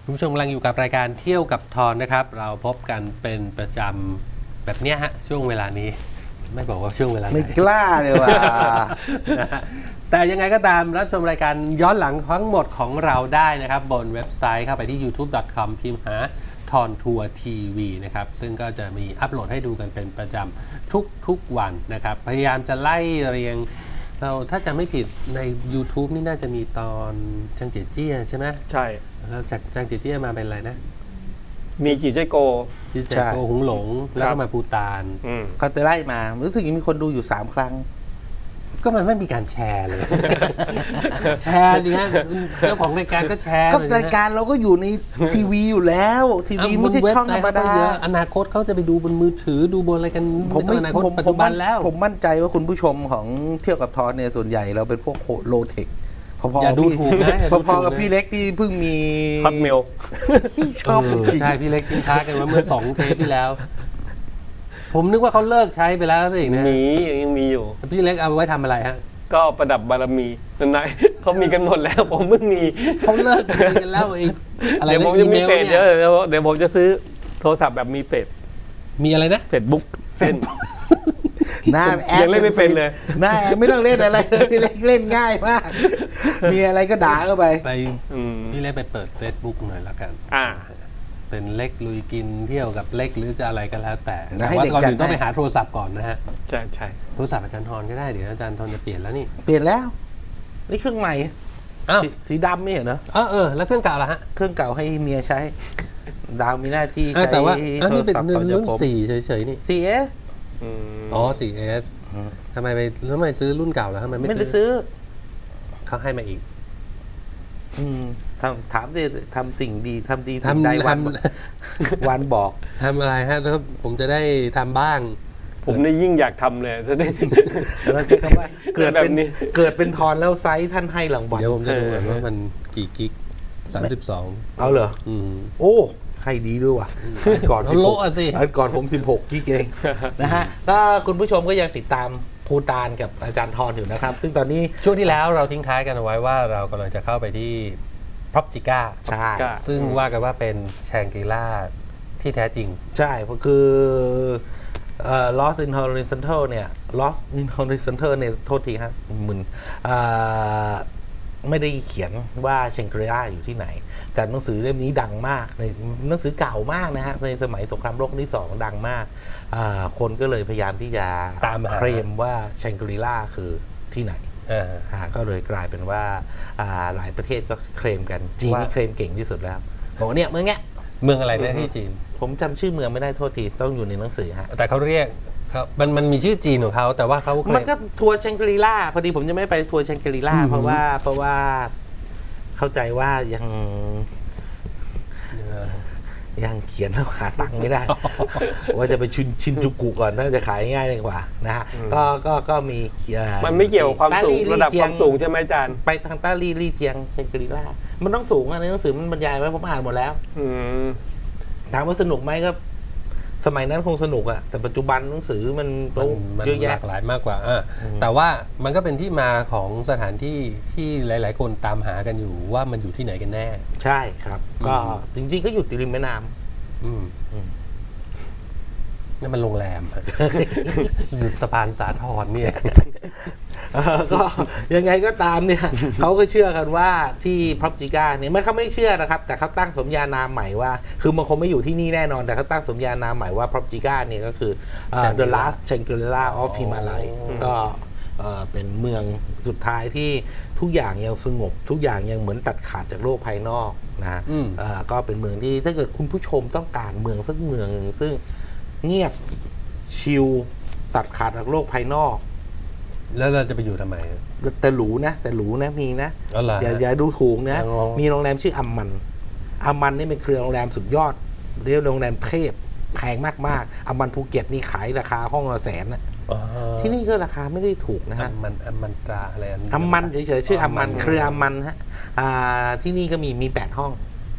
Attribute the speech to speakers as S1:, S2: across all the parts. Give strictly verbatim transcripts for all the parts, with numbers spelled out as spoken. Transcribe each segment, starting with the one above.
S1: คุณผู้ชมกำลังอยู่กับรายการเที่ยวกับทอนนะครับเราพบกันเป็นประจำแบบเนี้ยฮะช่วงเวลานี้ไม่บอกว่าช่วงเวลาไหน
S2: ไม่กล้าเลยว่ะ
S1: แต่ยังไงก็ตามรับชมรายการย้อนหลังทั้งหมดของเราได้นะครับบนเว็บไซต์เข้าไปที่ ยูทูบ ดอท คอม พิมพ์หาทอนทัวร์ทีวีนะครับซึ่งก็จะมีอัปโหลดให้ดูกันเป็นประจำทุกๆวันนะครับพยายามจะไล่เรียงเราถ้าจำไม่ผิดใน YouTube นี่น่าจะมีตอนจังเจียเจี้ยใช่ไหม
S3: ใช่
S1: แล้วจากจังเจียเจี้ยมาเป็นอะไรนะ
S3: มีจีเจโก
S1: จีเจโกหุงหลงแล้วก็มาปูตาน
S3: อืม
S2: เขาจะไล่มารู้สึกยังมีคนดูอยู่สามครั้ง
S1: ก็มันไม่มีการแชร์เลย แชร์ดิฮะเจ้าของรายการก็แชร์
S2: ก็
S1: เลย
S2: รายการเราก็อยู่ในทีวีอยู่แล้วทีวีไม่ใช่ช่องธรรมดา
S1: อนาคตเขาจะไปดูบนมือถือดูบนอะไรกัน
S2: ผมไม่
S1: อนาคต
S2: ผม
S1: ปัจ
S2: ผ
S1: จุ
S2: ม
S1: บันแล้ว
S2: ผมมั่นใจว่าคุณผู้ชมของเที่ยวกับทอนเนี่ยส่วนใหญ่เราเป็นพวกโลเทคพอๆ
S1: อย่าดู
S2: พี่
S1: ถูกนะอย่าดูถูกนะ
S2: พอๆกับพี่เล็กที่เพิ่งมี
S3: ฮอตเมล
S2: ชอบ
S1: เออ
S2: จริง
S1: ใช่พี่เล็กทิ้งท้ายกันว่าเมื่อสองเทปที่แล้ว ผมนึกว่าเขาเลิกใช้ไปแล้วสินะ
S3: มียังมีอยู่
S1: พี่เล็กเอาไว้ทำอะไรฮะ
S3: ก็ประดับบารมีนั่นไง เขามีกันหมดแล้วผมเพิ่งมี
S1: เขาเลิกคุยกันแล้วเองอะไร
S3: เดี๋ยวผ
S1: นะ
S3: ม
S1: อี
S3: จะ
S1: เม
S3: มี
S1: ล
S3: เพจ
S1: เนี่
S3: เดี๋ยวย เดี๋ยวเดี๋ยวผมจะซื้อโทรศัพท์แบบมีเพจ
S1: มีอะไรนะ
S3: เฟซบุ๊กเฟซ
S2: หน้าแอด
S3: ยังเล่นไม่เป็นเลย
S2: หน้าแอดไม่ต้องเล่นอะไรเลยพี่เล็กเล่นง่ายมาก มีอะไรก็ด่าเข้าไป
S1: ไป
S3: อืม
S1: พี่เล็กไปเปิด Facebook หน่อยแล้วกัน
S3: อ่า
S1: เป็นเล็กลุยกินเที่ยวกับเล็กหรือจะอะไรก็แล้วแต่
S2: นะ
S1: แต่
S2: ให้
S1: ว่า
S2: เด็ก
S1: ก่อน
S2: จัด
S1: อื่นต้อง
S2: ให้
S1: ไปหาโทรศัพท์ก่อนนะฮะ
S3: ใช่ใช่
S1: โทรศัพท์อาจารย์ทรก็ได้เดี๋ยวอาจารย์ทรจะเปลี่ยนแล้วนี่
S2: เปลี่ยนแล้วนี่เครื่องใหม่
S1: อ้าว
S2: สีสีดำไม่เห็นเหรอ
S1: เออเออแล้วเครื่องเก่าล่ะฮะ
S2: เครื่องเก่าให้เมียใช้ ดาวมีหน้าที่
S1: เออ
S2: ใช้
S1: แต่ว่าอัน
S2: โท
S1: นี้
S2: ร
S1: เป็น
S2: ศัพท์ต่อจาก
S1: รุ่น
S2: ผม
S1: สี่เฉยๆนี่
S2: ซี เอส
S3: อืม
S1: อ๋อ สี่ เอส ทำไมไปทำไมซื้อรุ่นเก่าแล้วทำไมไม่
S2: ไม่ได้ซื้อ
S1: เขาให้มาอีก
S2: อืมทำถามสิทำสิ่งดีทำดีสิ่ง
S1: ทำ
S2: ใดวัน
S1: ท
S2: วันบอก
S1: ทำอะไรฮะแล้วผมจะได้ทำบ้าง
S3: ผมนี่ยิ่งอยากทำเลยจะได้
S2: เราใช้คำว่าเกิดเป็น
S3: แบบนี้
S2: เกิดเป็นทอนแล้วไซส์ท่านให้รางวัล
S1: เดี๋ยวผมจะดู
S3: เออ
S1: ก่อนว่ามันกี่กิกสามสิบสอง
S2: เอาเหรอ
S1: อืม
S2: โอ้ใครดีด้วยว่ะอันก่อน
S1: เขา
S2: สิบห
S1: โละ
S2: ก
S1: อะสิ
S2: อันก่อนผมสิบหกกิกเอง นะฮะก็คุณผู้ชมก็ยังติดตามภูตานกับอาจารย์ทอนอยู่นะครับ ซึ่งตอนนี้
S1: ช่วงที่แล้วเราทิ้งท้ายกันเอาไว้ว่าเรากำลังจะเข้าไปที่พร็อพจิก้า
S2: ใช่
S3: ก็
S1: ซึ่งว่ากันว่าเป็นแชงกรีล่าที่แท้จริง
S2: ใช่เพราะคือเอ่อ Lost in Horizontal เนี่ย Lost in Horizontal เนี่ยโทษทีฮะมึนอ่าไม่ได้เขียนว่าเชงกรีล่าอยู่ที่ไหน แต่หนังสือเล่มนี้ดังมากในหนังสือเก่ามากนะฮะในสมัยสงครามโลกครั้งที่สองดังมากอ่าคนก็เลยพยายามที่จะ
S1: ตามหา
S2: เคลมว่าเชงกรีล่าคือที่ไหน
S1: เออ
S2: อ่าก็เลยกลายเป็นว่าอ่าหลายประเทศก็เคลมกันจีน
S1: ว่า
S2: นี่เคลมเก่งที่สุดแล้วบอกว่าเนี่ยเมืองเนี้ย
S1: เมืองอะไรนะที่จีน
S2: ผมจำชื่อเมืองไม่ได้โทษทีต้องอยู่ในหนังสือฮะ
S1: แต่เขาเรียกเขามันมันมีชื่อจีนของเขาแต่ว่าเขาเคล
S2: มันก็ทัวร์แชงกรีล่าพอดีผมจะไม่ไปทัวร์แชงกรีล่า
S1: อืม
S2: เพราะว่าเพราะว่าเข้าใจว่ายัง
S1: เออ
S2: ยังเขียนแล้วหาตังค์ไม่ได้ ว่าจะไปชินชินจูกุก่อนน่าจะขายง่ายกว่านะฮะก็ก็ก็มีเอ่อ
S3: มันไม่เกี่ยวกับความสูง
S2: ต้ลี่
S3: ระดับ
S2: ลี่
S3: ความ
S2: เจีย
S3: สูงใช่ไหมอาจารย์
S2: ไปทางต้าลี่ลี่เจียงแชงกรีล่ามันต้องสูงอะในหนังสือมันบรรยายไว้ผมอ่านหมดแล้ว
S3: อืม
S2: ถามว่าสนุกไหมก็ สมัยนั้นคงสนุกอะแต่ปัจจุบันหนังสือมัน
S1: มันมัน
S2: เยอะ
S1: ห
S2: แยะ
S1: ลากหลายมากกว่าอ่ะแต่ว่ามันก็เป็นที่มาของสถานที่ที่หลาย ๆ คนตามหากันอยู่ว่ามันอยู่ที่ไหนกันแน่
S2: ใช่ครับ ก็
S1: อืม
S2: จริงๆก็อยู่ติดริมแม่น้ำ
S1: อืม
S2: อืม
S1: นั่นมันโรงแรม อะ อยู่สะพานสาทรเนี่ย
S2: เออก็ยังไงก็ตามเนี่ย เขาก็เชื่อกันว่าที่พร็อพจิก้าเนี่ยไม่เขาไม่เชื่อนะครับ แต่เขาตั้งสมญานามใหม่ว่า คือมันคงไม่อยู่ที่นี่แน่นอน แต่เขาตั้งสมญานามใหม่ว่าพร็อพจิก้าเนี่ยก็คือเอ่อ The Last Shangri-La of Himalaya ก็เอ่อเป็นเมืองสุดท้ายที่ทุกอย่างยังสงบ ทุกอย่างยังเหมือนตัดขาดจากโลกภายนอกนะ
S1: อืม
S2: เอ่อก็เป็นเมืองที่ถ้าเกิดคุณผู้ชมต้องการเมืองสักเมืองหนึ่งซึ่งเงียบชิลตัดขาดจากโลกภายนอก
S1: แล้วเราจะไปอยู่ทำไม
S2: แต่หรูนะแต่หรูนะมีนะ
S1: อ๋อเหรอ
S2: อย่า
S1: ฮะ
S2: อย่าดูถูกนะ
S1: อ๋อ
S2: มีโรงแรมชื่ออัมมันอัมมันนี่เป็นเครือโรงแรมสุดยอดเรียกโรงแรมเทพแพงมากๆอัมมันภูเก็ตนี่ขายราคาห้องละแสนนะ
S1: อ๋อ
S2: ที่นี่ก็ราคาไม่ได้ถูกนะ
S1: อั
S2: ฮะ
S1: มมันอัมมันตราอะไรอันนี้
S2: อัมมันเฉยๆชื่ออัมมัน
S1: อ๋ออัมมัน
S2: เครืออัมมันฮะอ่าที่นี่ก็มีมีแปดห้อง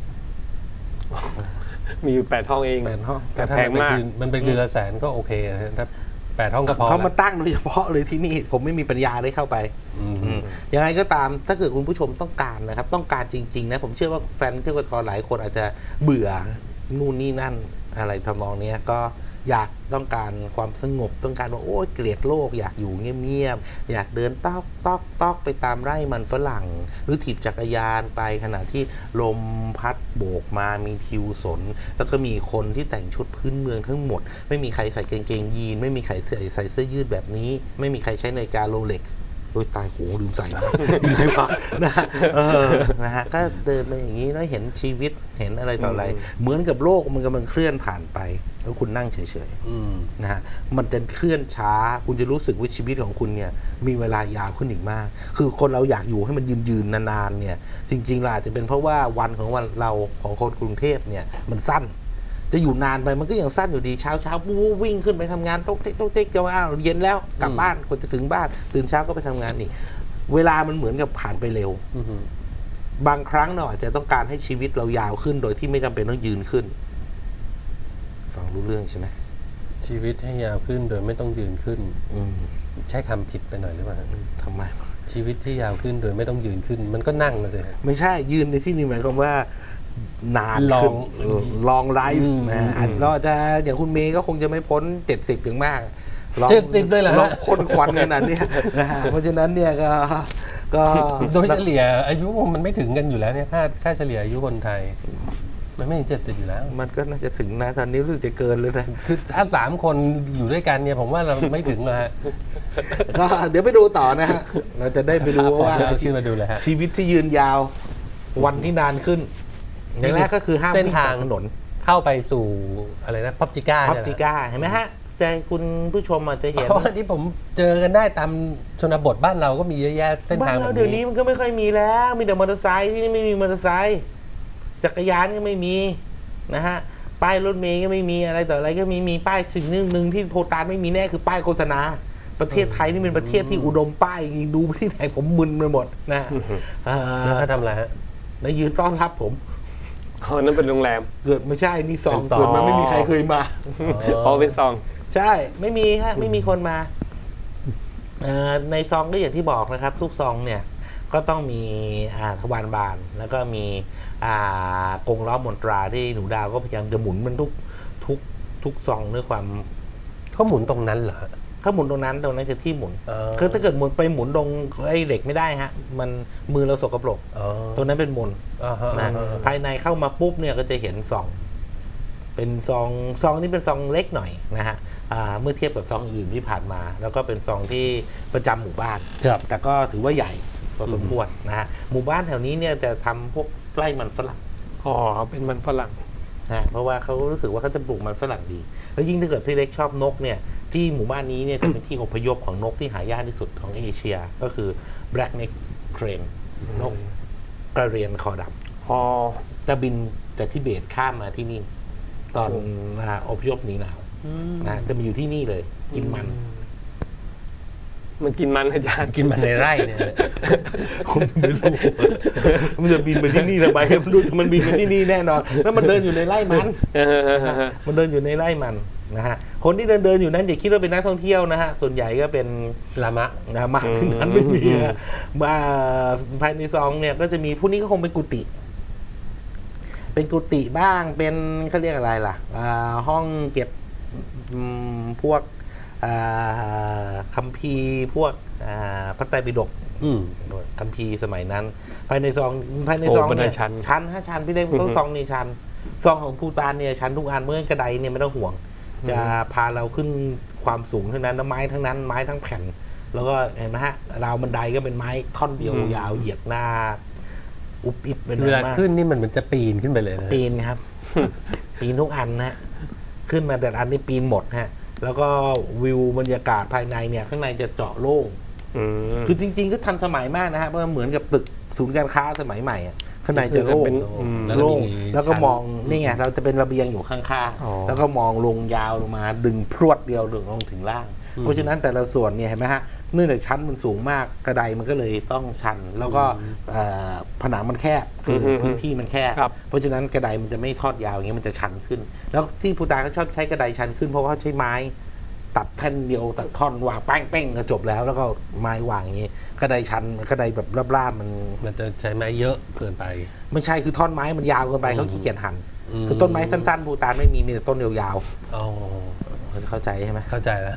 S3: มีอยู่แปดห้องเอง
S2: แปดห้อง
S1: แต่ถ้า
S3: แพ
S1: มัน
S3: ง
S1: เป็น
S3: มาก
S1: คืนมันเป็นคืนละแสนก็โอเคนะถ้าแปดห้องก็พอ
S2: เขามา
S1: ละ
S2: ตั้งโดยเฉพาะเลยที่นี่ผมไม่มีปัญญาได้เข้าไป
S1: อืม
S2: อืมยังไงก็ตามถ้าเกิดคุณผู้ชมต้องการนะครับ ต้องการจริงๆนะผมเชื่อว่าแฟนเที่ยวกทหลายคนอาจจะเบื่อนู่นนี่นั่นอะไรทำนองเนี้ยก็อยากต้องการความสงบต้องการว่าโอ้ยเกลียดโลกอยากอยู่เงียบๆอยากเดินตอกตอกตอกไปตามไร่มันฝรั่ง หรือถีบจักรยานไปขณะที่ลมพัดโบกมามีทิวสน แล้วก็มีคนที่แต่งชุดพื้นเมืองทั้งหมด ไม่มีใครใส่กางเกงยีนไม่มีใครใส่ใส่เสื้อยืดแบบนี้ ไม่มีใครใช้นาฬิกาโรเล็กซ์โดยตายโหลืมใส่นะลืมใส่ปะนะฮะเออนะฮะก็เดินไปอย่างนี้แล้วเห็นชีวิตเห็นอะไรต่ออะไร เหมือนกับโลกมันกำลังเคลื่อนผ่านไปแล้วคุณนั่งเฉยๆนะฮะมันจะเคลื่อนช้าคุณจะรู้สึกว่าชีวิตของคุณเนี่ยมีเวลายาวขึ้นอีกมาก คือคนเราอยากอยู่ให้มันยืนๆนานๆเนี่ยจริงๆล่ะอาจจะเป็นเพราะว่าวันของวันเราของคนกรุงเทพเนี่ยมันสั้นจะอยู่นานไปมันก็ยังสั้นอยู่ดีเช้าเช้าปุ๊บวิ่งขึ้นไปทำงานโต๊ะเต๊กโต๊ะเต๊กจะว่าอ้าวเย็นแล้วกลับบ้านคนจะถึงบ้านตื่นเช้าก็ไปทำงานอีกเวลามันเหมือนกับผ่านไปเร็วบางครั้งเราอาจจะต้องการให้ชีวิตเรายาวขึ้นโดยที่ไม่จำเป็นต้องยืนขึ้นฟังรู้เรื่องใช่ไหม
S1: ชีวิตให้ยาวขึ้นโดยไม่ต้องยืนขึ้น
S2: อืม
S1: ใช้คำผิดไปหน่อยหรือเปล่า
S2: ทำไม
S1: ชีวิตที่ยาวขึ้นโดยไม่ต้องยืนขึ้น มันก็นั่งเลย
S2: ไม่ใช่ยืนในที่นี้หมายความว่านาน
S1: ลอง
S2: ลองไลฟ์
S1: อืม
S2: นะอาจเราจะอย่างคุณเมย์ก็คงจะไม่พ้นเจ็ดสิบอย่างมากลอง
S1: เจ็ดสิบเลยเหรอฮะ
S2: ลองคนควันขนาดเนี้ยนะฮะเพราะฉะนั้นเนี่ยก็ก็
S1: โดยเฉลี่ยอายุมันไม่ถึงกันอยู่แล้วเนี่ยค่าค่าเฉลี่ยอายุคนไทย มันไม่ถึงเจ็ดสิบอยู่แล้ว
S2: มันก็น่าจะถึงนะตอนนี้รู้สึกจะเกินเลยนะ
S1: คือถ้าสามคนอยู่ด้วยกันเนี่ยผมว่าเราไม่ถึงเลยฮะ
S2: ก็เดี๋ยวไปดูต่อนะฮะเราจะได้ไปดูว่า
S1: เอาชื่อมาดูเลยฮะ
S2: ชีวิตที่ยืนยาววันที่นานขึ้นอย่างแรกก็คือห้าม
S1: เส้น
S2: วิ่ง
S1: ทาง
S2: บนถนน
S1: เข้าไปสู่อะไรนะพับจิก้า
S2: พับจิก้าเห็นไหมฮะแต่คุณผู้ชมอาจจะเห็น
S1: เพราะว่าที่ผมเจอกันได้ตามชนบทบ้านเราก็มีเยอะแยะเส้น
S2: บ้า
S1: ทาง
S2: น
S1: แบ
S2: เรา
S1: บ
S2: เดี๋ยวนี้
S1: นี้
S2: มันก็ไม่ค่อยมีแล้ว มีแต่มอเตอร์ไซค์ที่นี่ไม่มีมอเตอร์ไซค์จักรยานก็ไม่มีนะฮะป้ายรถเมย์ก็ไม่มีอะไรต่ออะไรก็มีมีป้ายสิ่งหนึ่งหนึ่งที่โพตานไม่มีแน่คือป้ายโฆษณา ประเทศไทยนี่เป็นประเทศที่อุดมป้ายจริงดูไปที่ไหนผมมึนไปหมดนะเอ่
S1: แล้ว
S2: อ
S1: เขาทำอะไรฮะ
S2: แล้วยืนต้อนรับผม
S3: อ๋อนั่นเป็นโรงแรม
S2: เกิดไม่ใช่นี่ซอง
S1: เป็นซอง
S2: เกิดมาไม่มีใครเคยมา
S3: พอเป็นซอง
S2: ใช่ไม่มีฮะไม่มีคนมาเอ่อในซองก็อย่างที่บอกนะครับ ทุกซองเนี่ยก็ต้องมีอ่าทวารบานแล้วก็มีอ่ากงล้อมนตราที่หนูดาวก็พยายามจะหมุนมันทุกทุกทุกซองด้วยความ
S1: เขาหมุนตรงนั้นเหรอฮะ
S2: ถ้าหมุนตรงนั้นตรงนั้นคือที่หมุน
S1: เออ
S2: คือถ้าเกิดหมุนไปหมุนตรงไอ้เหล็กไม่ได้ฮะมันมือเราสกปรก
S1: อ๋อ
S2: ตรงนั้นเป็นมน
S1: อ่าฮะ
S2: นะ
S1: อ่าฮะ
S2: ภายในเข้ามาปุ๊บเนี่ยก็จะเห็นซอง เป็นซองซองนี่เป็นซองเล็กหน่อยนะฮะอ่าเมื่อเทียบกับซองอื่นที่ผ่านมา แล้วก็เป็นซองที่ประจำหมู่บ้าน
S1: ครับ
S2: แต่ก็ถือว่าใหญ่พอสมควรนะฮะหมู่บ้านแถวนี้เนี่ยจะทำพวกไร่มันฝรั่ง
S3: อ๋อเป็นมันฝรั่ง
S2: นะเพราะว่าเขารู้สึกว่าเขาจะปลูกมันฝรั่งดี แล้วยิ่งถ้าเกิดพี่เล็กชอบนกเนี่ยที่หมู่บ้านนี้เนี่ยจะเป็นที่อพยพของนกที่หายากที่สุดของเอเชีย ก็คือ black neck crane นกกระเรียนคอด
S3: อ๋อ
S2: ำจะบินจากทิเบตข้ามมาที่นี่ ตอนอ่าอพยพหนีหนาวนะจะมาอยู่ที่นี่เลย กินมัน
S3: มันกินมันอาจารย์
S1: กินมันในไร่เนี่ย
S2: ผมไม่รู้ มันจะบินไปที่นี่ทำไมมันดูมันบินไปที่นี่แน่นอนแล้วมันเดินอยู่ในไร่มัน มันเดินอยู่ในไร่มันนะฮะ คนที่เดินเดินอยู่นั้นอย่าคิดว่าเป็นนักท่องเที่ยวนะฮะ ส่วนใหญ่ก็เป็น
S1: ลามะ
S2: นะมากขึ้นนั้นไม่มีฮะมาภายในซองเนี่ยก็จะมีผู้นี้ก็คงเป็นกุฏิ เป็นกุฏิบ้าง เป็นเขาเรียกอะไรล่ะอ่าห้องเก็บอืมพวกอ่าคัมภีร์พวกอ่าพระไตรปิฎก
S1: อืม
S2: คัมภีร์สมัยนั้น ภายในซองภายใน
S3: โอ้
S2: ซอง
S3: บันได
S2: เนี่ย
S3: ชัน
S2: ชั้นห้าชั้นพี่เล็กต้องซองนี่ชั้นซองของภูตานเนี่ยชั้นทุกอันเมื่อกระไดเนี่ยไม่ต้องห่วง จะพาเราขึ้นความสูงเท่านั้นแล้วไม้ทั้งนั้นไม้ทั้งแผ่น แล้วก็เห็นไหมฮะราวบันไดก็เป็นไม้ท่อนเดียวยาวเหยียดหน้า อุบอิบเป็น
S1: เวลา
S2: มาก
S1: ขึ้นนี่มันเหมือนจะปีนขึ้นไปเลยนะ
S2: ปีนครับ ปีนทุกอันนะขึ้นมาแต่ละอันนี่ปีนหมดฮะ แล้วก็วิวบรรยากาศภายในเนี่ยข้างในจะเจาะโล่ง
S3: อืม
S2: คือจริงๆก็ทันสมัยมากนะฮะเพราะว่าเหมือนกับตึกศูนย์การค้าสมัยใหม่อะข้างในจะโล่ง
S3: เป็นอืม
S2: โล่ง
S1: มี
S2: แล้วก็
S1: ชั้น
S2: มองนี่ไงเราจะเป็นระเบียงอยู่ข้าง
S3: อ๋อ
S2: ๆแล้วก็มองลงยาวลงมาดึงพรวดเดียวลงถึงล่าง เพราะฉะนั้นแต่ละส่วนเนี่ยเห็นไหมฮะเนื่องจากชั้นมันสูงมากกระไดมันก็เลยต้องชัน แล้วก็เอ่อผนังมันแคบคืออ
S3: ม
S2: พื้นที่มันแคบ
S3: ครับ
S2: เพราะฉะนั้นกระไดมันจะไม่ทอดยาวอย่างเงี้ยมันจะชันขึ้น แล้วที่ภูตานเขาชอบใช้กระไดชันขึ้นเพราะว่าเขาใช้ไม้ตัดแท่นเดียวตัดท่อนวางแป้งเป้งก็จบแล้ว แล้วก็ไม้วางอย่างงี้กระไดชันกระไดแบบราบๆมัน
S1: มันจะใช้ไม้เยอะเกินไป
S2: ไม่ใช่คือท่อนไม้มันยาวเกินไปเขาขี้เกียจหั่น
S1: อืม
S2: คือต้นไม้สั้นๆภูตานไม่มีมีแต่ต้นยาว
S1: อ๋อ
S2: ๆเขาจะเข้าใจใช่ไหม
S1: เข้าใจแล้ว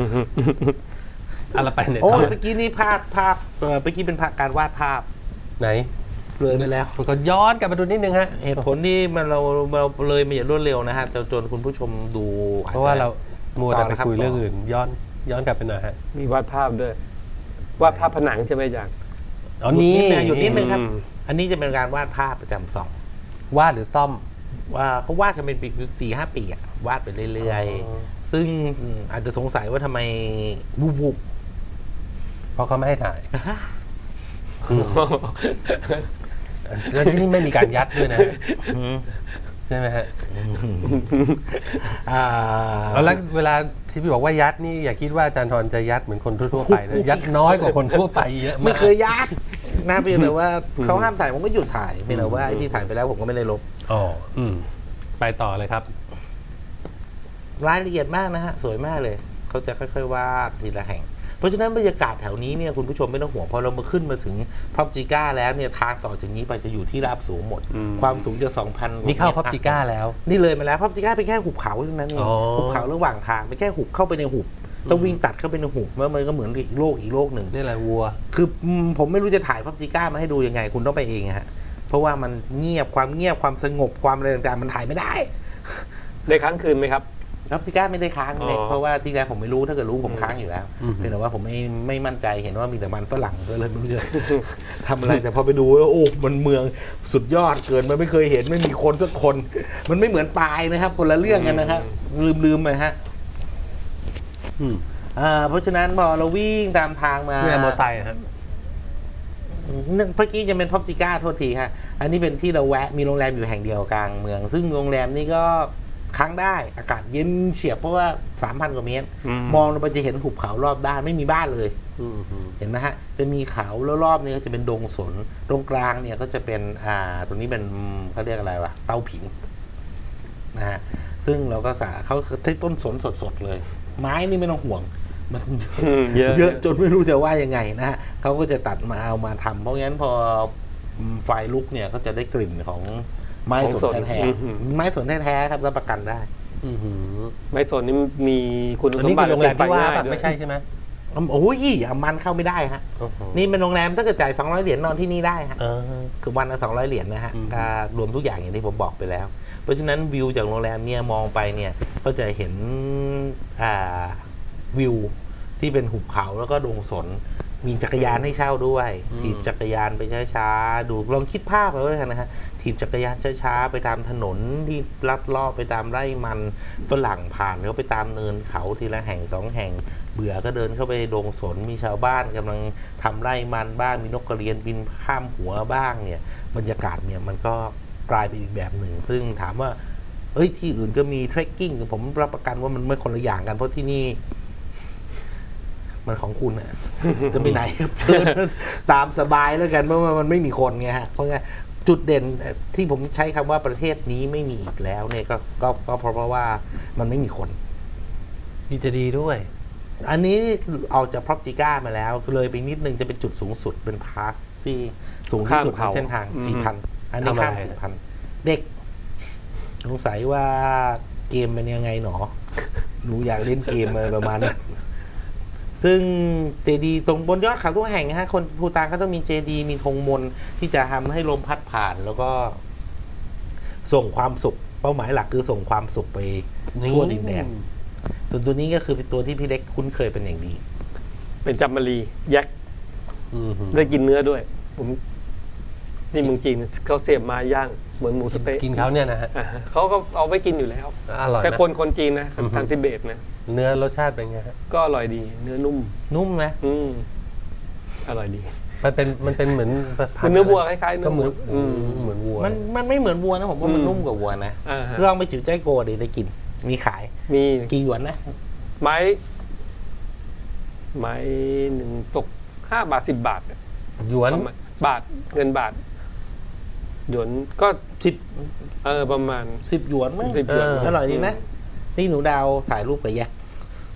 S1: อะไรไปเนี่ย
S2: โอ้ยเมื่อกี้นี่ภาพภาพเอ่อเมื่อกี้เป็นภาพการวาดภาพ
S1: ไหน
S2: เลยไปแล้ว
S1: ก็ย้อนกลับมาดูนิดนึงฮะ
S2: เหตุผลที่มันเราเราเลยมาอย่างรวดเร็วนะฮะจนจนคุณผู้ชมดูอจจะ
S1: เพราะว่าเรามัวแต่ไป
S2: ต่อนะครับ
S1: คุยเรื่อง
S2: ต่ออื่
S1: อื่น ย้อนย้อนกลับไปหน่อยฮะ
S3: มีวาดภาพด้วยวาดภาพผนังใช่ไหมอาจารย์
S1: อ๋อนี่
S2: นิดนึงหยุดนิดนึงครับ
S3: อืม
S2: อันนี้จะเป็นการวาดภาพประจำสอง
S1: วาดหรือซ่อม
S2: ว่าเขาวาดกันเป็นปีสี่ห้าปีอะวาดไปเรื่อย
S1: อ๋อ
S2: ๆ ซึ่งอาจจะสงสัยว่าทำไมวูบวูบ
S1: เพราะเขาไม่ให้ถ่ายแล้วที่นี่ไม่มีการยัดด้วยนะใช่ไหมฮะ
S2: อ่า
S1: เอาแล้วเวลาที่พี่บอกว่ายัดนี่อย่าคิดว่าอาจารย์ทรจะยัดเหมือนคนทั่วๆไปนะยัดน้อยกว่าคนทั่วไปเยอะมาก
S2: ไม่เคยยัดนะเพียงแต่ว่าเขาห้ามถ่ายผมก็หยุดถ่ายเพียงแต่ว่าไอ้ที่ถ่ายไปแล้วผมก็ไม่ได้ลบ
S1: อ๋ออืมไปต่อเลยครับ
S2: รายละเอียดมากนะฮะ สวยมากเลย เขาจะค่อยๆวาดทีละแห่ง เพราะฉะนั้นบรรยากาศแถวนี้เนี่ยคุณผู้ชมไม่ต้องห่วงพอเรามาขึ้นมาถึงพับจิก้าแล้วเนี่ยทางต่อจากนี้ไปจะอยู่ที่ราบสูงหมด
S3: อืม
S2: ความสูงจะ สองพัน
S1: นี่เข้าพับจิก้าแล้ว
S2: นี่เลยมาแล้วพับจิก้าเป็นแค่หุบเขาเท่านั้นเอง
S1: อ๋อ
S2: หุบเขาระหว่างทางเป็นแค่หุบเข้าไปในหุบต้องวิ่งตัดเข้าไปในหุบแล้วมันก็เหมือนอีกโลกอีกโลกหนึ่ง
S1: นี่แหละวัว
S2: คืออืมผมไม่รู้จะถ่ายพับจิก้ามาให้ดูยังไง คุณต้องไปเองอะฮะเพราะว่ามันเงียบความเงียบความสงบความอะไรต่างๆมันถ่ายไม่ได้
S3: ได้ค้างคืนไหมครับ
S2: พับจิก้าไม่ได้ค้างเลย
S3: อ๋อ
S2: เพราะว่าที่แรกผมไม่รู้ถ้าเกิดรู้ผมค้างอยู่แล้ว
S1: อืม
S2: เพียงแต่ว่าผมไม่ไม่มั่นใจเห็นว่ามีแต่มันฝรั่งก็เลยไม่รู้จะ ทำอะไรแต่พอไปดูแล้วโอ้มันเมืองสุดยอดเกินมันไม่เคยเห็นไม่มีคนสักคน มันไม่เหมือนปลายนะครับคนละเรื่องกันนะครับลืมลืมไปฮะ
S1: อืม
S2: อ่าเพราะฉะนั้นพอเราวิ่งตามทางมา
S1: นี่แหละมอไซค์อะฮะ
S2: นั่นเมื่อกี้จะเป็นพับจิก้าโทษทีฮะอันนี้เป็นที่เราแวะมีโรงแรมอยู่แห่งเดียวกลางเมือง ซึ่งโรงแรมนี่ก็ค้างได้อากาศเย็นเฉียบเพราะว่า สามพัน กว่าเมตร
S3: อืม
S2: มองลงไปจะเห็นหุบเขารอบด้านไม่มีบ้านเลย
S1: อืมอืม
S2: เห็นไหมฮะจะมีเขาแล้วรอบนี้ก็จะเป็นดงสนตรงกลางเนี่ยก็จะเป็นอ่าตรงนี้เป็นเขาเรียกอะไรวะเตาผิงนะฮะซึ่งเราก็สาเขาใช้ต้นสนสดๆเลย ไม้นี่ไม่ต้องห่วงมัน
S3: อืมเยอะ
S2: เยอะจนไม่รู้จะว่ายังไงนะฮะเขาก็จะตัดมาเอามาทำเพราะงั้นพอไฟลุกเนี่ยก็จะได้กลิ่นของไม้สนแท้ๆไม้สนแท้ๆครับรับประกันได้
S1: อืมอืม
S3: ไม้สนนี่มีคุณ
S1: อัน
S3: สม
S1: นี้
S3: บั
S1: คื
S3: ติ
S1: อโรงแรมที่ว่า
S3: ง่ย
S1: ปะ
S3: ด้วย
S1: ไม่ใช่ใช่ไหม
S2: โอ้ยอามันเข้าไม่ได้ฮะ
S1: โอ้โห
S2: นี่เป็นโรงแรมถ้าเกิดจ่ายสองร้อยเหรียญนอนที่นี่ได้ฮะ
S1: เออ
S2: คือวันละสองร้อยเหรียญนะฮะ
S1: อืม
S2: อ่ารวมทุกอย่างอย่างที่ผมบอกไปแล้ว เพราะฉะนั้นวิวจากโรงแรมเนี่ยมองไปเนี่ยก็จะเห็นอ่าวิวที่เป็นหุบเขาแล้วก็ดงสน มีจักรยานให้เช่าด้วย
S1: อืม
S2: ถีบจักรยานไปช้าๆดูลองคิดภาพเอาด้วยกันนะฮะถีบจักรยานช้าๆไปตามถนนที่ลัดเลาะไปตามไร่มันฝรั่งผ่านเขาไปตามเนินเขาทีละแห่งสองแห่ง เบื่อก็เดินเข้าไปดงสนมีชาวบ้านกำลังทำไร่มันบ้างมีนกกระเรียนบินข้ามหัวบ้างเนี่ยบรรยากาศเนี่ยมันก็กลายเป็นอีกแบบหนึ่ง ซึ่งถามว่าเอ้ยที่อื่นก็มีเทรคกิ้งผมรับประกันว่ามันไม่คนละอย่างกันเพราะที่นี่ มันของคุณอะ จะไปไหนครับเชิญตามสบายแล้วกันเพราะว่ามันไม่มีคนไงฮะเพราะงั้นจุดเด่นที่ผมใช้คำว่าประเทศนี้ไม่มีอีกแล้วเนี่ยก็ก็ก็เพราะว่ามันไม่มีคน
S1: นี่จะดีด้วย
S2: อันนี้เอาจากพร็อพจิก้ามาแล้วเลยไปนิดนึงจะเป็นจุดสูงสุดเป็นพาสที่สูงที่สุดใน
S3: ข้ามเขา
S2: เส้นทาง
S3: อืม
S2: สี่พัน อันนี้ข้าม
S1: ทำอะไร
S2: สี่พัน เด็กสงสัยว่าเกมเป็นยังไงหนอ หนูอยากเล่นเกมอะไรประมาณนั้น ซึ่งเจดีย์ตรงบนยอดเขาทุกแห่งนะฮะคนภูฏานเขาต้องมีเจดีย์มีธงมนต์ที่จะทำให้ลมพัดผ่าน แล้วก็ส่งความสุขเป้าหมายหลักคือส่งความสุขไปทั่วดินแดน ส่วนตัวนี้ก็คือเป็นตัวที่พี่เล็กคุ้นเคยเป็นอย่างดี
S3: เป็นจัมมารียักษ์
S1: อืม
S3: ได้กินเนื้อด้วย ผมนี่เมืองจีนเขาเสียบมาย่างเหมือนหมูสะเต๊ะ
S1: กินเขาเนี่ยนะฮะ
S3: อ่าฮะเขาก็เอาไว้กินอยู่แล้ว
S1: อร่อย
S3: แต่
S1: นะ
S3: คนคนจีนนะ
S1: อือฮึ
S3: ทางทิเบตนะ
S1: เนื้อรสชาติเป็นไงฮะ
S3: ก็อร่อยดี เนื้อนุ่ม
S2: นุ่มไหม
S3: อืมอร่อยดี
S1: มันเป็นมันเป็นเหมือน
S3: เป็นเนื้อวัวคล้ายๆเนื้
S1: ก็
S3: อ
S1: เหมือน
S3: อืม
S1: เหมือนวัว
S2: มันมันไม่เหมือนวัวนะผมว่ามัน
S3: อืม
S2: นุ่มกว่าวัวนะ
S3: อ่าฮะ
S2: ลองไปจิ๋วใจโกดิได้กิน มีขาย
S3: มี
S2: กี่หยวนนะ
S3: ไม้ ไม้หนึ่งตกห้าบาทสิบบาทอะ
S1: หยวน
S3: ประมาณบาทเงินบาท หยวนก็
S2: สิบ
S3: เออประมาณ
S2: สิบหยวนมั้ง
S3: สิบหยวน
S2: อร่อยดีนะ นี่หนูดาวถ่ายรูปกับแยก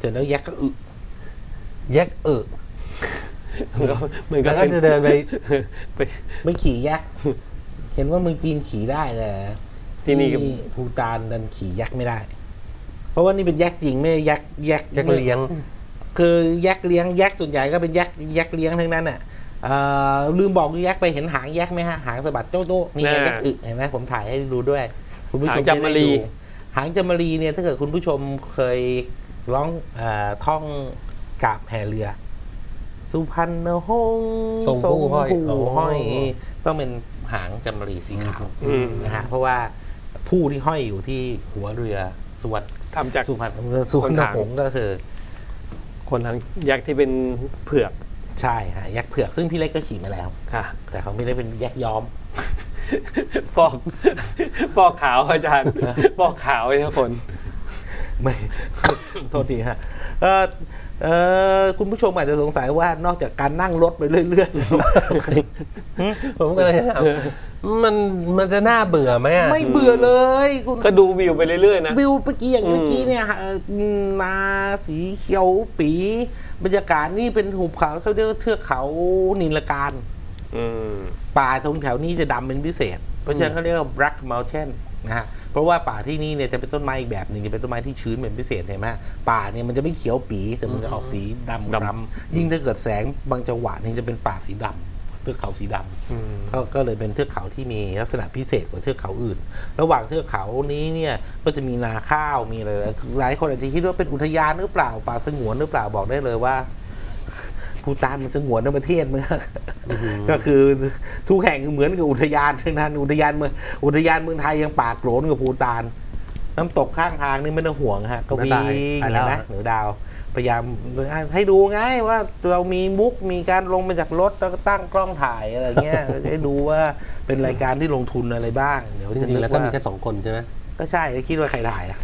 S2: ร็จแล้วยักษ์ก็อึ
S1: แยกเออ
S3: มันก็
S1: แล้วก็จะเดินไป
S3: ไป
S2: ไม่ขี่ยักษ์เห็นว่าเมืองจีนขี่ได้เลย
S3: ที่นี่ก็
S2: ภูฏานดันขี่ยักษ์ไม่ได้ เพราะว่านี่เป็นยักษ์จริงไม่ใช่ยักษ์ยักษ์
S1: แยกเลี้ยง
S2: คือยักษ์เลี้ยงยักษ์ส่วนใหญ่ก็เป็นยักษ์ยักษ์เลี้ยงทั้งนั้นอ่ะเอ่อลืมบอกยักษ์ไปเห็นหางยักษ์ไหมฮะหางสะบัดโจ๊ะโจ๊ะนี่ไงยักษ์อึเห็นไหมผมถ่ายให้ดูด้วย คุณผู้ชม
S3: หางจามรี
S2: จะได้ดูหางจามรีเนี่ยถ้าเกิดคุณผู้ชมเคยร้องเอ่อท่องกาบแห่เรือ สุพรรณหงส์
S1: ทรงผู้ห้อย
S2: ทรงผู้ห้อย
S1: อ๋อ
S2: ต้องเป็นหางจามรีสีขาว
S3: อืม
S2: นะฮะเพราะว่าผู้ที่ห้อยอยู่ที่หัวเรือสุวรรณ
S3: ทำจาก
S2: สุพรรณสุพรรณหงส์ก็คือ
S3: คนหางยักษ์ที่เป็นเผือก
S2: ใช่ฮะยักษ์เผือกซึ่งพี่เล็กก็ขี่มาแล้ว
S3: ค่ะ
S2: แต่เขาไม่ได้เป็นยักษ์ย้อม
S3: ฟอกฟอกขาวอาจารย์ฟอกขาวไอ้ทุกคน
S2: ไม่ โทษทีฮะเออเออคุณผู้ชมอาจจะสงสัยว่านอกจากการนั่งรถไปเรื่อย
S1: ผมก็เลยถามมันมันจะน่าเบื่อไหมอะ
S2: ๆ ไม่เบื่อเลยคุณ
S3: ก็ดูวิวไปเรื่อยๆนะ
S2: วิวเมื่อกี้อย่าง
S3: อืม
S2: เมื่อกี้เนี่ยฮะเอ่อนาสีเขียวปีบรรยากาศนี่เป็นหุบเขาเขาเรียกว่าเทือกเขานิลการ
S3: อืม
S2: ป่าตรงแถวนี้จะดำเป็นพิเศษ เพราะฉะนั้นเขาเรียกว่า Black Mountain นะฮะ เพราะว่าป่าที่นี่เนี่ยจะเป็นต้นไม้อีกแบบหนึ่งจะเป็นต้นไม้ที่ชื้นเป็นพิเศษเห็นไหมป่าเนี่ยมันจะไม่เขียวปีแต่มันจะออกสีดำ
S3: ดำ
S2: คล้ำยิ่งถ้าเกิดแสงบางจังหวะนี่จะเป็นป่าสีดำเทือกเขาสีดำ
S3: อืม
S2: ก็ก็เลยเป็นเทือกเขาที่มีลักษณะพิเศษกว่าเทือกเขาอื่น ระหว่างเทือกเขานี้เนี่ยก็จะมีนาข้าวมีอะไรหลายคนอาจจะคิดว่าเป็นอุทยานหรือเปล่าป่าสงวนหรือเปล่าบอกได้เลยว่าภูฏานมันสงวนในประเทศมันก็คือทุกแห่งเหมือนกับอุทยานทั้งนั้นอุทยานเมืองอุทยานเมืองไทยยังป่าโกรนกับภูฏานน้ำตกข้างทางนี่ไม่ต้องห่วงฮะก็วิ่ง
S1: ไปแล้ว
S2: นะเหนือดาว พยายามให้ดูไงว่าเรามีมุกมีการลงมาจากรถแล้วก็ตั้งกล้องถ่ายอะไรเงี้ย ให้ดูว่าเป็นรายการที่ลงทุนอะไรบ้างเดี๋ยว
S1: จ
S2: จะ
S1: ริงๆ
S2: นึ
S1: แล้ว
S2: ก
S1: ก็
S2: ว่า
S1: มีแค่สองคนใช่ไหม
S2: ก็ใช่คิดว่าใครถ่ายอ่ะ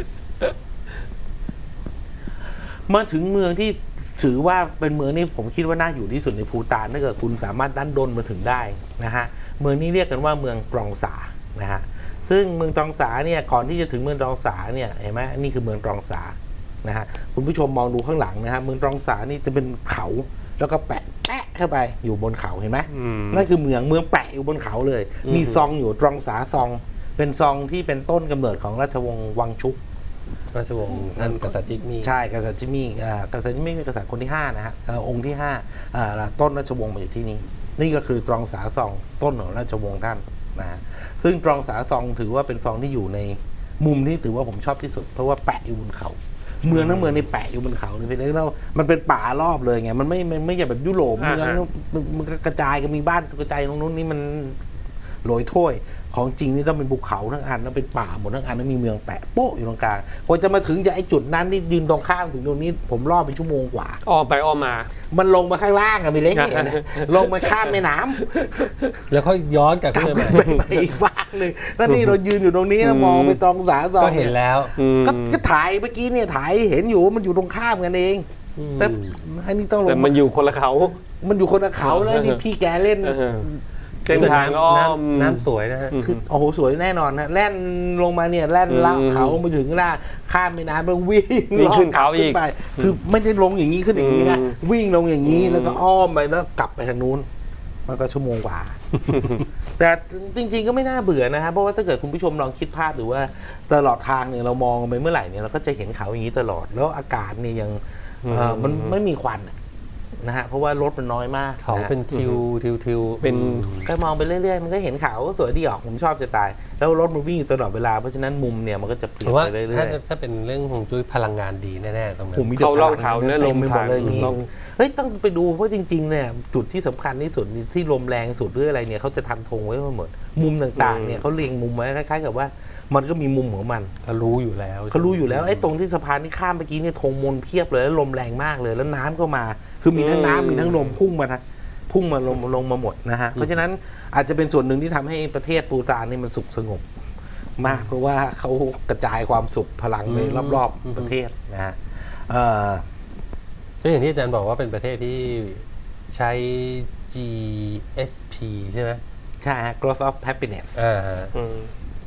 S2: มาถึงเมืองที่ถือว่าเป็นเมืองที่ผมคิดว่าน่าอยู่ที่สุดในภูฏานถ้าเกิดคุณสามารถดันดนมาถึงได้นะฮะเมืองนี้เรียกกันว่าเมืองตรองสานะฮะซึ่งเมืองตรองสาเนี่ยก่อนที่จะถึงเมืองตรองสาเนี่ยเห็นไหมนี่คือเมืองตรองสานะฮะคุณผู้ชมมองดูข้างหลังนะฮะเมืองตรองสานี่จะเป็นเขาแล้วก็แปะแปะเข้าไปอยู่บนเขาเห็นไหม
S3: อืม
S2: นั่นคือเมืองเมืองแปะอยู่บนเขาเลย
S3: อืม
S2: มีซองอยู่ตรองสาซอง เป็นซองที่เป็นต้นกำเนิดของราชวงศ์วังชุก
S1: ราชวงศ์ท่านกษัตริย์จิกมี่
S2: ใช่กษัตริย์จิมมี่อ่ากษัตริย์จิมมี่เป็นกษัตริย์คนที่ห้านะฮะเอ่อองค์ที่ห้าอ่าต้นราชวงศ์มาอยู่ที่นี่ นี่ก็คือตรองสาซองต้นของราชวงศ์ท่านนะฮะซึ่งตรองสาซองถือว่าเป็นซองที่อยู่ในมุมที่ถือว่าผมชอบที่สุด เพราะว่าแปะอยู่บนเขา เมืองทั้งเมืองนี่แปะอยู่บนเขาเลยพี่เล็กแล้วมันเป็นป่ารอบเลยไงมันไม่ไม่ไม่ใช่แบบยุโรป
S3: อ่า
S2: เมือง
S3: ฮะ
S2: มันมันก็กระจายกันมีบ้านกระจายตรงนู้นนี่มันโรยถ้วยของจริงนี่ต้องเป็นภูเขาทั้งอันแล้วเป็นป่าหมดทั้งอันแล้วมีเมืองแปะโป๊ะอยู่ตรงกลางพอจะมาถึงจากไอ้จุดนั้นที่ยืนตรงข้ามถึงตรงนี้ผมรอบเป็นชั่วโมงกว่า
S3: อ้อมไปอ้อมมา
S2: มันลงมาข้างล่างอะพี่เล็กเนี่ยนะลงมาข้ามแม่น้ำ
S1: แล้วเขาย้อนกลับ
S2: กลับ
S1: ขึ้น
S2: ไป
S1: มาใหม่
S2: ไปอีกฝั่งหนึ่งแล้วนี่เรายืนอยู่ตรงนี้แล้วมองไปตรงสาซอง
S1: ก็เห็นแล้ว
S3: อืม
S2: ก็ก็ถ่ายเมื่อกี้เนี่ยถ่ายเห็นอยู่ว่ามันอยู่ตรงข้ามกันเอง แต่อันนี้ต้องล
S3: แต่
S2: ง
S3: มันอยู่คนละเขา
S2: มันอยู่คนละเขาแล้วนี่พี่แกเล่น
S3: เออเส้นทางอ้อม
S1: น้ำน้ำสวยนะฮะ
S2: คือโอ้โหสวยแน่นอนนะแล่นลงมาเนี่ยแล่นละ
S3: อืม
S2: เขาลงไปถึงข้างล่างข้ามแม่น้ำแล้ววิ่ง
S3: วิ่งขึ้น
S2: ล
S3: เขาอีก
S2: ขึ้ไป คือไม่ได้ลงอย่างนี้ขึ้นอย่างนี้นะ
S3: อืม
S2: วิ่งลงอย่างนี้
S3: อืม
S2: แล้วก็อ้อมไปแล้วกลับไปทางนู้นมันก็ชั่วโมงกว่า แต่จริง ๆก็ไม่น่าเบื่อนะฮะเพราะว่าถ้าเกิดคุณผู้ชมลองคิดภาพหรือว่าตลอดทางเนี่ยเรามองไปเมื่อไหร่เนี่ยเราก็จะเห็นเขาอย่างนี้ตลอด แล้วอากาศเนี่ยยังเอ่อมันไม่มีควันอะนะฮะเพราะว่ารถมันน้อยมาก
S1: เขา
S2: นะฮะ
S1: เป็นทิวทิวทิว
S3: เป็น
S2: ก็มองไปเรื่อยๆ มันก็เห็นเขาสวยดีออกผมชอบจะตาย แล้วรถมันวิ่งอยู่ตลอดเวลา เพราะฉะนั้นมุมเนี่ยมันก็จะเปลี่
S1: ผ
S2: ยน
S1: มว่า
S2: ไปเรื่
S1: ถ้า
S2: อย
S1: ถ้าเป็นเรื่องของจุ้ยพลังงานดีแน่ๆตรงนั้
S2: ๆผม
S1: น
S2: มีแต่
S3: เขาเล่า
S2: พลัง
S3: เขาเนื้อลม
S2: ต็ไปหมดเลย
S3: ทาง
S2: มี
S3: ลม
S2: เฮ้ยต้องไปดูเพราะจริงๆเนี่ยจุดที่สำคัญที่สุดที่ลมแรงสุดหรืออะไรเนี่ยเขาจะทำธงไว้หมด มุมต่างๆเนี่ยเขาเรียงมุมไว้คล้ายๆกับว่ามันก็มีมุมของมัน
S1: เขารู้อยู่แล้ว
S2: เขารู้อยู่แล้วไอ้ตรงที่สะพานที่ข้ามเมื่อกี้เนี่ยธงมนเพียบเลยแล้วลมแรงมากเลย แล้วน้ำก็มา คือมีทั้งน้ำมีทั้งลมพุ่งมาทางพุ่งมาลงลงมาหมดนะฮะเพราะฉะนั้นอาจจะเป็นส่วนหนึ่งที่ทำให้ประเทศปูตานนี่มันสุขสงบมากเพราะว่าเขากระจายความสุขพลังไปรอบๆประเทศนะฮะเอ่อ
S1: ก็อย่างที่อาจารย์บอกว่าเป็นประเทศที่ใช้ จี เอส พี ใช่ไหม
S2: ใช่ฮะ growth of happiness
S1: อ่าฮะ
S3: อืม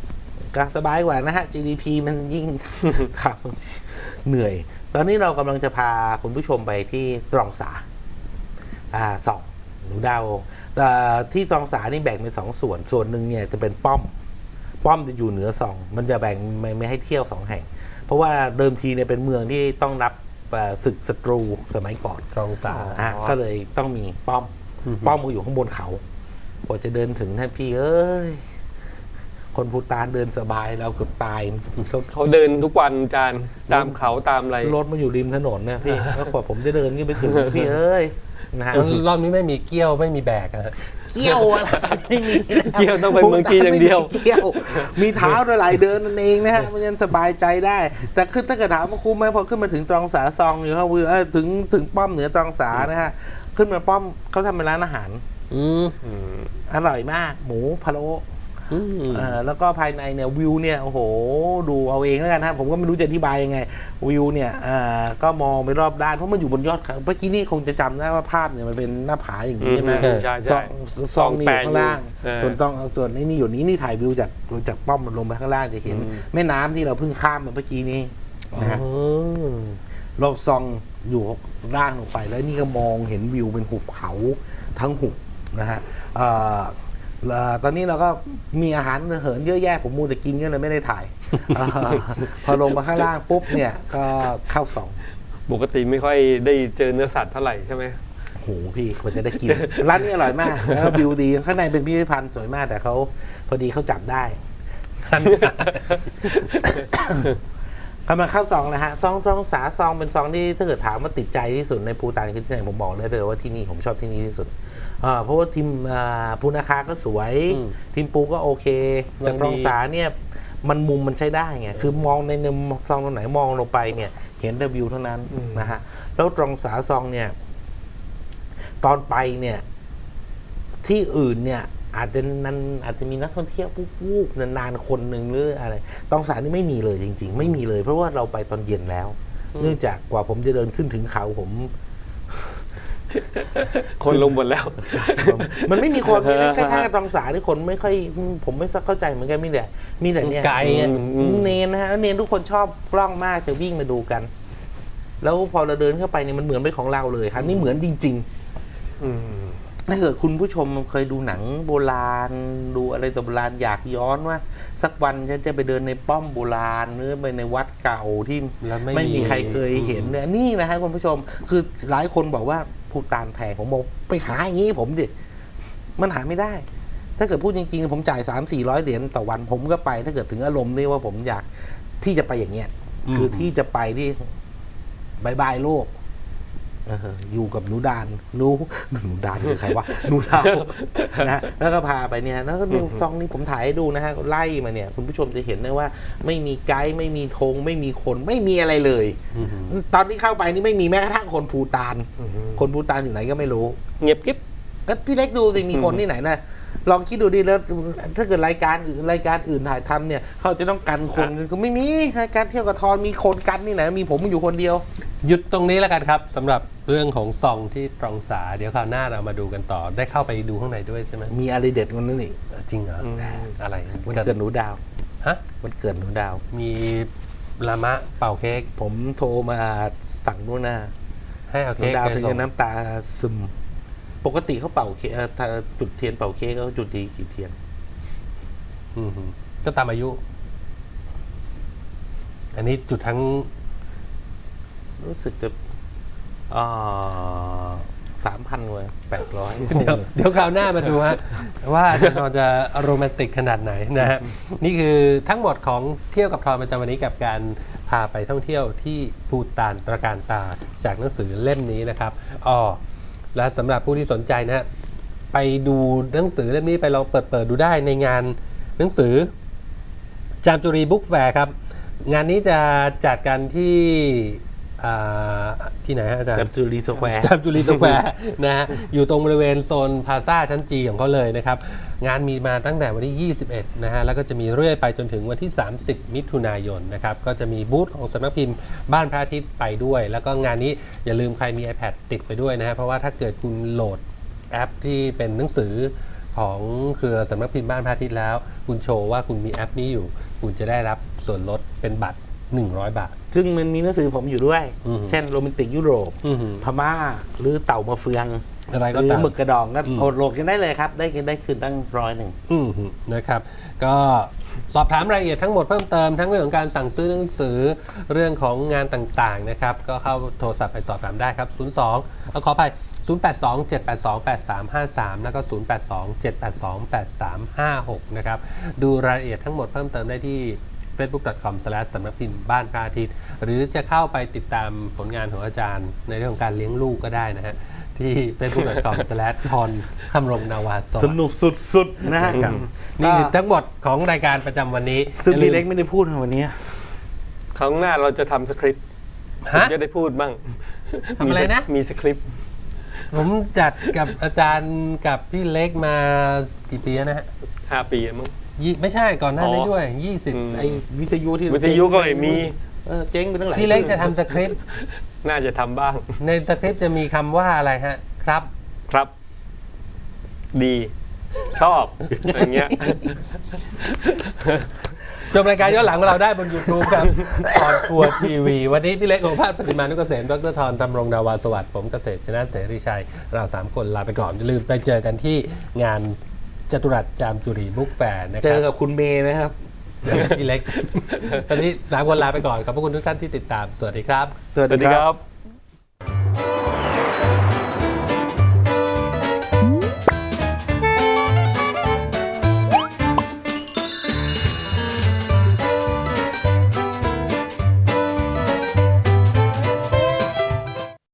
S2: ก็สบายกว่านะฮะ จี ดี พี มันยิ่ง ครับเหนื่อย ตอนนี้เรากำลังจะพาคุณผู้ชมไปที่ตรองสาอ่าสองหนูดาวแต่ที่ตรองสานี่แบ่งเป็นสองส่วนส่วนหนึ่งเนี่ยจะเป็นป้อมป้อมจะอยู่เหนือสองมันจะแบ่งไม่ไม่ให้เที่ยวสองแห่ง เพราะว่าเดิมทีเนี่ยเป็นเมืองที่ต้องรับศึกศัตรูสมัยก่อน
S1: ตรองสา
S2: อ่ะก็เลยต้องมีป้อม
S1: อือฮึ
S2: ป้อมก็อยู่ข้างบนเขากว่าจะเดินถึงท่านพี่เอ้ยคนภูฏานเดินสบายเราเกือบตายเขา
S3: เขาเดินทุกวันอาจารย์ตามเขาตามอะไร
S2: รถมันอยู่ริมถนนเนี่ยพี่แล้วกว่าผมจะเดินขึ้นไปถึงพี่เอ้ยนะฮะ
S1: รอบนี้ไม่มีเกี้ยวไม่มีแบกอะฮะ
S2: เกี่ยวอะไรไม่มีแล้ว
S3: เกี่ยวต้องไปเมืองจีนอย่างเดียว
S2: ไม่มีเกี่ยวมีเท้าด้วยไหลเดินนั่นเองนะฮะมันยังสบายใจได้ แต่คือถ้าเกิดถามว่าคุ้มไหมพอขึ้นมาถึงตรองสาซองอยู่เขาเออถึงถึงป้อมเหนือตรองสานะฮะขึ้นมาป้อมเขาทำเป็นร้านอาหาร
S1: อืม
S3: อืม
S2: อร่อยมากหมูพะโล้
S1: อืม
S2: เอ่อแล้วก็ภายในเนี่ยวิวเนี่ยโอ้โหดูเอาเองแล้วกันฮะผมก็ไม่รู้จะอธิบายยังไงวิวเนี่ยเอ่อก็มองไปรอบด้านเพราะมันอยู่บนยอดเขาเมื่อกี้นี่คงจะจำได้ว่าภาพเนี่ยมันเป็นหน้าผาอย่างนี้ใช่ไหม
S3: อืมใช่
S2: ซ
S3: ใช่
S2: องซองนี่อยู่ข้างล่าง
S3: เออ
S2: ส่วนต้องส่วนไอ้นี่อยู่นี้นี่ถ่ายวิวจากจากป้อมมันลงไปข้างล่างจะเห็น
S3: อืม
S2: แม่น้ำที่เราเพิ่งข้ามมาเมื่อกี้นี้นะฮะ
S1: อืม
S2: เราซองอยู่ล่างลงไปแล้วนี่ก็มองเห็นวิวเป็นหุบเขาทั้งหุบนะฮะเอ่อเอ่อตอนนี้เราก็มีอาหารเหินเยอะแยะผมมูแต่กินก็เลยไม่ได้ถ่าย เอ่อพอลงมาข้างล่างปุ๊บเนี่ยก็เข้าสอง
S3: ปกติไม่ค่อยได้เจอเนื้อสัตว์เท่าไหร่ใช่ไหม
S2: โอ้โหพี่กว่าจะได้กิน ร้านนี้อร่อยมากแล้วก็วิวดีข้างในเป็นพิพิธภัณฑ์สวยมากแต่เขาพอดีเขาจับได้ กำลังเข้าซองนะฮะซองซองสาซองเป็นซองที่ถ้าเกิดถามว่าติดใจที่สุดในภูฏานคือที่ไหนผมบอกเลยเลยว่าที่นี่ผมชอบที่นี่ที่สุดเอ่อเพราะว่าทีมอ่าภูนาคาก็สวย
S1: อืม
S2: ทีมปูก็โอเคแต่
S1: ยังดี
S2: ตรองสาเนี่ยมันมุมมันใช้ได้ไงคือมองในในซองตรงไหนมองลงไปเนี่ยเห็นแต่วิวเท่านั้น
S3: อืม
S2: นะฮะแล้วตรองสาซองเนี่ยตอนไปเนี่ยที่อื่นเนี่ยอาจจะนันอาจจะมีนักท่องเที่ยวปุ๊บวูบนานๆคนหนึ่งหรืออะไรตองสานี่ไม่มีเลยจริง ๆ ไม่มีเลย เพราะว่าเราไปตอนเย็นแล้ว เนื่องจากกว่าผมจะเดินขึ้นถึงเขาผม
S3: คนลงหมดแล้ว
S2: มันไม่มีคนมีนะคล้ายๆกับตองสาที่คนไม่ค่อยผมไม่เข้าใจเหมือนกันมีแต่มีแต่เนี่ย
S1: ไกลอะ
S3: อืม
S2: เนนนะฮะเนนทุกคนชอบกล้องมากจะวิ่งมาดูกัน แล้วพอเราเดินเข้าไปเนี่ยมันเหมือนเป็นของเราเลยครับนี่เหมือนจริง ๆ
S3: อืม
S2: ถ้าเกิดคุณผู้ชมเคยดูหนังโบราณดูอะไรตัวโบราณอยากย้อนว่า สักวันฉันจะไปเดินในป้อมโบราณหรือไปในวัดเก่าที่
S1: แล้วไม่
S2: ไม่
S1: มี
S2: มีใครเคยเห็นเนี่ยนี่นะฮะคุณผู้ชม คือหลายคนบอกว่าภูฏานแพงผมบอกไปหาอย่างนี้ผมดิมันหาไม่ได้ ถ้าเกิดพูดจริงๆผมจ่ายสามสี่ร้อยเหรียญต่อวันผมก็ไป ถ้าเกิดถึงอารมณ์นี่ว่าผมอยากที่จะไปอย่างเงี้ย คือที่จะไปที่บายบายโลก เอออยู่กับหนูดานหนูหนูดานคือใครวะหนูดาวนะฮะแล้วก็พาไปเนี่ยแล้วก็เนี่ยซองนี้ผมถ่ายให้ดูนะฮะไล่มาเนี่ยคุณผู้ชมจะเห็นได้ว่า ไม่มีไกด์ไม่มีธงไม่มีคนไม่มีอะไรเลย
S1: อืม
S2: ตอนที่เข้าไปนี่ไม่มีแม้กระทั่งคนภูฏาน
S3: อืม
S2: คนภูฏานอยู่ไหนก็ไม่รู้
S3: เงียบกิ๊บ
S2: ก็พี่เล็กดูสิมีคนที่ไหนนะลองคิดดูดิแล้วถ้าเกิดรายการอื่นรายการอื่นถ่ายทำเนี่ยเขาจะต้องกันคนก็ไม่มีรายการเที่ยวกับทอนมีคนกันที่ไหนมีผมอยู่คนเดียว
S1: หยุดตรงนี้แล้วกันครับสำหรับเรื่องของซองที่ตรองสา เดี๋ยวคราวหน้าเรามาดูกันต่อ ได้เข้าไปดูข้างในด้วยใช่ไหม
S2: มีอะไรเด็ดกว่านั้นอีก
S1: จริงเหรออะไร
S2: วันเกิดหนูดาว
S1: ฮะ
S2: วันเกิดหนูดาว
S1: มีลามะเป่าเค้ก
S2: ผมโทรมาสั่งนู่นนะ
S1: ให้เอา
S2: หนู
S1: เค้ก
S2: ดาว
S1: ไป
S2: ถึง
S1: ส่
S2: จะ
S1: ง
S2: น้ำตาซึม ปกติเขาเป่าเค้กเอ่อถ้าจุดเทียนเป่าเค้กเขาจุดดีกี่เทียน
S1: อืมก็ตามอายุ อันนี้จุดทั้ง
S2: รู้สึกจะสามพันกว่าแปดร้อย
S1: เดี๋ยวเดี๋ยวคราวหน้ามาดูฮะ ว่าอาจารย์ทรจะโรแมนติกขนาดไหนนะฮะ นี่คือทั้งหมดของเที่ยวกับทรประจำวันนี้กับการพาไปท่องเที่ยวที่ภูฏานตระการตาจากหนังสือเล่มนี้นะครับอ๋อและสำหรับผู้ที่สนใจนะฮะไปดูหนังสือเล่มนี้ไปลองเปิดเปิดดูได้ในงานหนังสือจามจุรีบุ๊กแฟร์ครับ งานนี้จะจัดกันที่อ่าที่ไหนฮะอาจารย์
S2: กับจูรีสแควร์
S1: จามจุรีสแควร์นะฮะอยู่ตรงบริเวณโซนพลาซ่าชั้นจีของเขาเลยนะครับ งานมีมาตั้งแต่วันที่ยี่สิบเอ็ดนะฮะแล้วก็จะมีเรื่อยไปจนถึงวันที่สามสิบมิถุนายนนะครับก็จะมีบูธของสำนักพิมพ์บ้านพระอาทิตย์ไปด้วย แล้วก็งานนี้อย่าลืมใครมี iPad ติดไปด้วยนะฮะเพราะว่าถ้าเกิดคุณโหลดแอปที่เป็นหนังสือของเครือสำนักพิมพ์บ้านพระอาทิตย์แล้ว คุณโชว์ว่าคุณมีแอปนี้อยู่คุณจะได้รับส่วนลดเป็นบัตรหนึ่งร้อยบาท
S2: ซึ่งมันมีหนังสือผมอยู่ด้วย
S1: อืม
S2: เช่นโรแมนติกยุโรป
S1: อือหือ
S2: พม่าหรือเต่ามาเฟือง
S1: อะไร
S2: ห
S1: ก็
S2: รือ
S1: ตาม
S2: หมึกกระดองก็
S1: อืม
S2: โอดโหลดกันได้เลยครับ ได้กันได้คืนตั้งร้อยหนึ่ง
S1: อืมนะครับ ก็สอบถามรายละเอียดทั้งหมดเพิ่มเติมทั้งเรื่องของการสั่งซื้อหนังสือเรื่องของงานต่างๆนะครับ ก็เข้าโทรศัพท์ไปสอบถามได้ครับ ศูนย์ สอง เอาขอไป ศูนย์ แปด สอง เจ็ด แปด สอง แปด สาม ห้า สาม แล้วก็ ศูนย์ แปด สอง เจ็ด แปด สอง แปด สาม ห้า หก นะครับ ดูรายละเอียดทั้งหมดเพิ่มเติมได้ที่ เฟซบุ๊ก ดอท คอม สแลช สำนักพิมพ์บ้านพระอาทิตย์หรือจะเข้าไปติดตามผลงานของอาจารย์ในเรื่องของการเลี้ยงลูกก็ได้นะฮะที่ เฟซบุ๊ก ดอท คอม สแลช ทอนทำรงนาวาส
S2: ส
S1: วัสดิ์
S2: นุกสุดๆนะฮะ
S1: ครับนี่คือทั้งหมดของรายการประจำวันนี้
S2: ซึ่ง
S1: อย่าลื
S2: พี่
S1: ม
S2: เล็กไม่ได้พูดในวันนี้
S3: ครั้งหน้าเราจะทำสคริปต์ผม
S1: ฮะ
S3: จะได้พูดบ้าง
S1: ทำอะไรนะ
S3: มีสคริปต์
S1: ผมจัดกับอาจารย์กับพี่เล็กมากี่ปีแล้วนะฮะ
S3: ห้าปีมั้ง
S1: ยี่ไม่ใช่ก่อนหน้านี้
S3: อ๋อ
S1: ด้วยยี่สิบ
S3: อืม
S2: ไอ้วิทยุที่
S3: วิทยุก็ไม่มี
S2: เออเจ๊งไปตั้งหลาย
S1: พี่เล็กจะทำสคริปต์
S3: น่าจะทำบ้าง
S1: ในสคริปต์จะมีคำว่าอะไรฮะครับ
S3: ครับ ดี ชอบอย่างเงี้ย
S1: ชมรายการย้อนหลังของเราได้บน YouTube ครับ ออนทัวร์ทีวีวันนี้พี่เล็กโอภาสปฏิมานุกเกษมดรธรธำรงนาวาสวัสดิ์ผมเกษตรชนะเสรีชัย เราสามคนลาไปก่อนอย่าลืมไปเจอกันที่งานจตุรัสจามจุรีบุ๊กแฟร์นะค
S2: เจ
S1: รั
S2: อบ กับคุณเมย์นะครับ
S1: เจอกันพี่เล็ก ตอนนี้สามคนลาไปก่อนขอบพระคุณทุกท่านที่ติดตามสวัสดีครับ
S2: สวัส
S3: สวัส
S2: ดี
S3: ดี
S2: ค
S3: ค
S2: รั
S3: รับ บ